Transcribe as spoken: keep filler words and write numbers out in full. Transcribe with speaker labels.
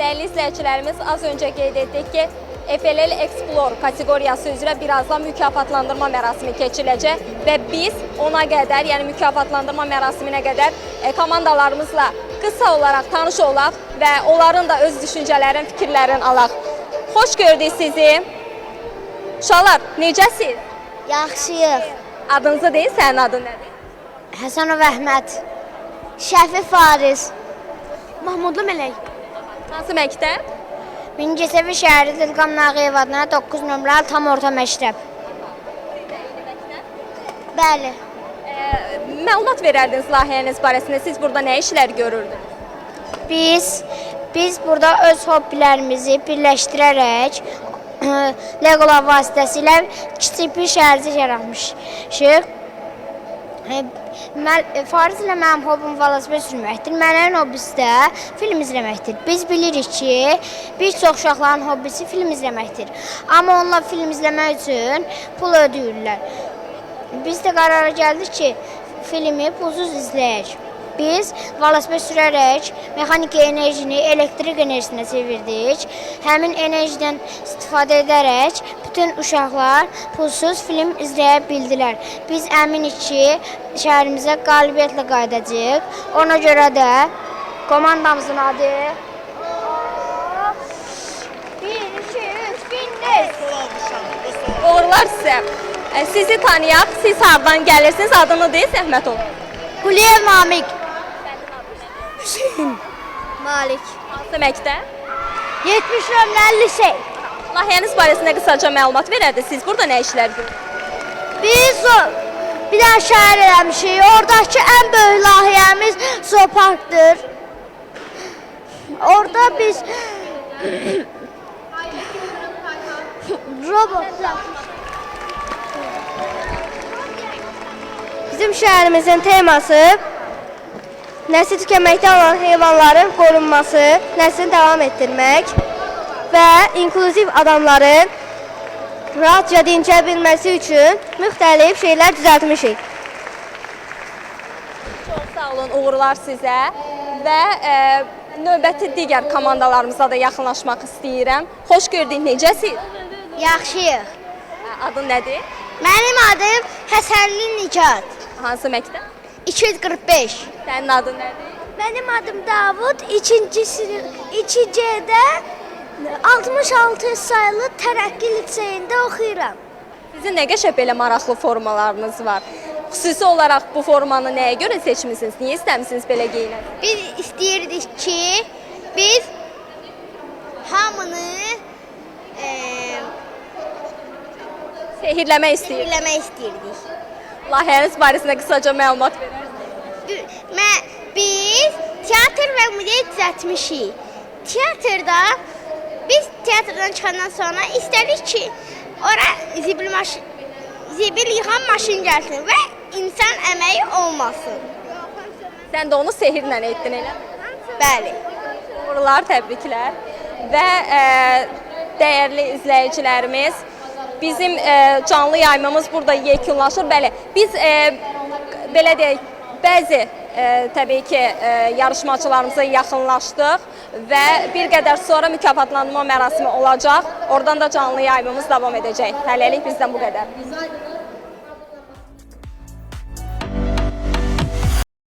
Speaker 1: Değerli izləyicilərimiz, az öncə qeyd etdik ki, F L L Explore kateqoriyası üzrə birazdan mükafatlandırma mərasimi keçiriləcək və biz ona qədər, yəni mükafatlandırma mərasiminə qədər e, komandalarımızla qısa olaraq tanış olaq və onların da öz düşüncələrin, fikirlərini alaq. Xoş gördük sizi. Uşaqlar, necəsiz?
Speaker 2: Yaxşıyıq.
Speaker 1: Adınızı deyin, sənin adın nədir?
Speaker 2: Həsənov Əhməd. Şəfi Fariz. Mahmudlu Mələk.
Speaker 1: Hansı məktəb?
Speaker 2: Mingəçevir şəhəri Dilqam Nağıyev adına doqquz nömrəli tam orta məktəb. Bəli.
Speaker 1: E, məlumat verərdiniz layihəniz barəsində. Siz burada nə işlər görürdünüz?
Speaker 2: Biz biz burada öz hobbilərimizi birləşdirərək Legolar vasitəsilə kiçik bir şəhərcik yaratmışıq. Fariz ilə mənim hobbim velosiped sürməkdir. Mənim hobbisi də film izləməkdir. Biz bilirik ki, bir çox uşaqların hobbisi film izləməkdir. Amma onlar film izləmək üçün pul ödəyirlər. Biz də qərara gəldik ki, filmi pulsuz izləyək. Biz velosiped sürərək mexaniki enerjini elektrik enerjisinə çevirdik. Həmin enerjidən istifadə edərək bütün uşaqlar pulsuz film izləyə bildilər. Biz əminik ki, şəhərimizə qalibiyyətlə qayıdacağıq. Ona görə də komandamızın adı bir, iki, üç, Bindes.
Speaker 1: Uğurlar sizə. E, sizi tanıyaq, siz hardan gəlirsiniz, adını deyin, zəhmət olun.
Speaker 2: Quliyev Namik. Hüseyin Malik.
Speaker 1: Hansı məktəb?
Speaker 2: yetmiş nömrəli lisey.
Speaker 1: Layihəniz barəsində qısaca məlumat verərdiniz. Siz burada nə işlər görürsünüz?
Speaker 2: Biz bir dənə şəhər eləmişik. Oradakı ən böyük layihəmiz zooparkdır. Orada biz robotlar. Bizim şəhərimizin teması nəsil tükənməkdə olan heyvanların qorunması, nəslini davam etdirmək və inklüziv adamların rahatca dincələ bilməsi üçün müxtəlif şeylər düzəltmişik.
Speaker 1: Çox sağ olun, uğurlar sizə və e, növbəti digər komandalarımıza da yaxınlaşmaq istəyirəm. Xoş gördük, necəsiz?
Speaker 2: Yaxşıyıq.
Speaker 1: Adın nədir?
Speaker 2: Mənim adım Həsənli Nicat.
Speaker 1: Hansı məktəb?
Speaker 2: iki yüz qırx beş.
Speaker 1: Sənin adın nədir?
Speaker 2: Mənim adım Davud. iki C-də altmış altı sayılı Tərəqqi liseyində oxuyuram.
Speaker 1: Sizin nə qəşəng belə maraqlı formalarınız var. Xüsusi olaraq bu formanı nəyə görə seçmisiniz? Niyə istəmisiniz belə geyinək?
Speaker 2: Biz istəyirdik ki, biz hamını e,
Speaker 1: Sehirləmək istəyirik.
Speaker 2: eləmək istəyirdik.
Speaker 1: Layihəniz barəsində qısaca məlumat verərsiniz.
Speaker 2: Mə, biz teatr və muzey düzəltmişik. Teatrda biz teatrdan çıxandan sonra istədik ki, ora zibil, maşın, zibil yıxan maşın gəlsin və insan əməyi olmasın.
Speaker 1: Sən də onu sehirlə etdin, elə mi?
Speaker 2: Bəli.
Speaker 1: Uğurlar, təbriklər. Və e, dəyərli izləyicilərimiz, bizim e, canlı yaymamız burada yekunlaşır. Bəli, biz e, belə deyək, bəzi e, təbii ki, e, yarışmacılarımıza yaxınlaşdıq və bir qədər sonra mükafatlandırma mərasimi olacaq. Oradan da canlı yaymamız davam edəcək. Hələlik bizdən bu qədər.